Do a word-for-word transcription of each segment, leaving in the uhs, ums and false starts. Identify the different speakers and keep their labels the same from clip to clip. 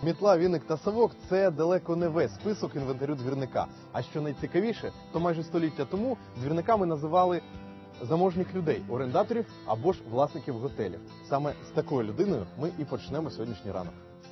Speaker 1: Мітла, віник та совок – це далеко не весь список інвентарю двірника. А що найцікавіше, то майже століття тому двірниками називали заможних людей, орендаторів або ж власників готелів. Саме з такою людиною ми і почнемо сьогоднішній ранок.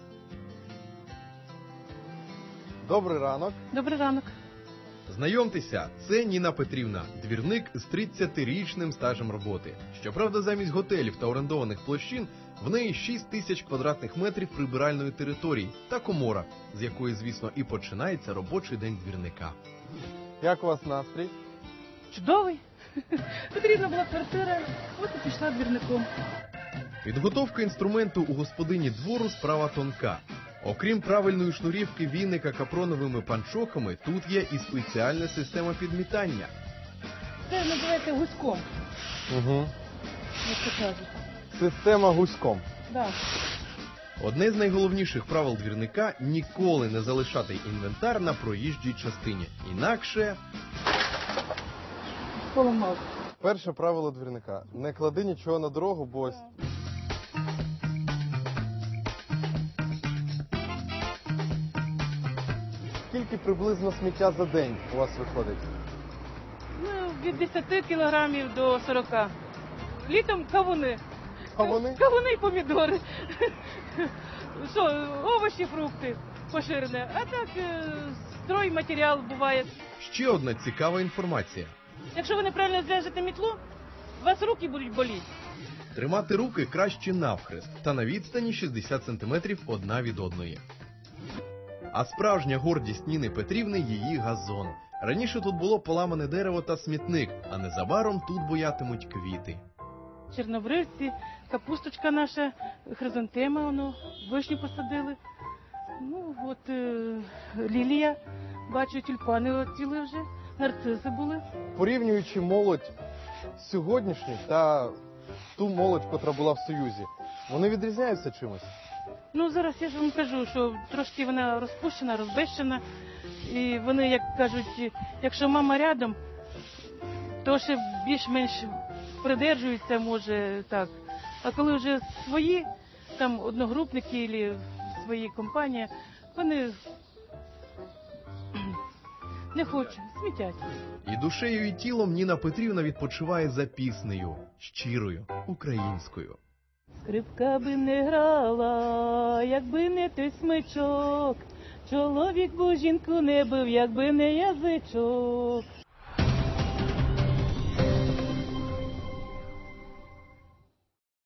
Speaker 1: Добрий ранок.
Speaker 2: Добрий ранок.
Speaker 3: Знайомтеся, це Ніна Петрівна, двірник з тридцятирічним стажем роботи. Щоправда, замість готелів та орендованих площин в неї шість тисяч квадратних метрів прибиральної території та комора, з якої, звісно, і починається робочий день двірника.
Speaker 1: Як у вас настрій?
Speaker 2: Чудовий. Потрібна була квартира, от і пішла двірником.
Speaker 3: Підготовка інструменту у господині двору справа тонка. Окрім правильної шнурівки віника капроновими панчохами, тут є і спеціальна система підмітання.
Speaker 2: Це називається гуськом,
Speaker 1: Угу.
Speaker 2: як це кажуть.
Speaker 1: Система гуськом.
Speaker 2: Да.
Speaker 3: Одне з найголовніших правил двірника – ніколи не залишати інвентар на проїжджій частині. Інакше...
Speaker 2: Поламав.
Speaker 1: Перше правило двірника – не клади нічого на дорогу, бо ось... Скільки приблизно сміття за день у вас виходить?
Speaker 2: Ну, від десяти кілограмів до сорока. Літом кавуни.
Speaker 1: Кавуни?
Speaker 2: Кавуни і помідори. Що, овочі, фрукти поширене. А так, е, стройматеріал буває.
Speaker 3: Ще одна цікава інформація.
Speaker 2: Якщо ви неправильно зв'яжете мітлу, у вас руки будуть боліти.
Speaker 3: Тримати руки краще навхрест та на відстані шістдесят сантиметрів одна від одної. А справжня гордість Ніни Петрівни – її газон. Раніше тут було поламане дерево та смітник, а незабаром тут буятимуть квіти.
Speaker 2: Чорнобривці, капусточка наша, хризантема, воно, вишню посадили. Ну, от е, лілія, бачу, тюльпани оціли вже, нарциси були.
Speaker 1: Порівнюючи молодь сьогоднішню та ту молодь, котра була в Союзі, вони відрізняються чимось?
Speaker 2: Ну, зараз я ж вам кажу, що трошки вона розпущена, розбещена. І вони, як кажуть, якщо мама рядом, то ще більш-менш придержуються, може, так. А коли вже свої, там, одногрупники або свої компанії, вони не хочуть, смітять.
Speaker 3: І душею, і тілом Ніна Петрівна відпочиває за піснею, щирою, українською.
Speaker 2: Скрипка би не грала, якби не той смичок, чоловік бо жінку не бив, якби не язичок.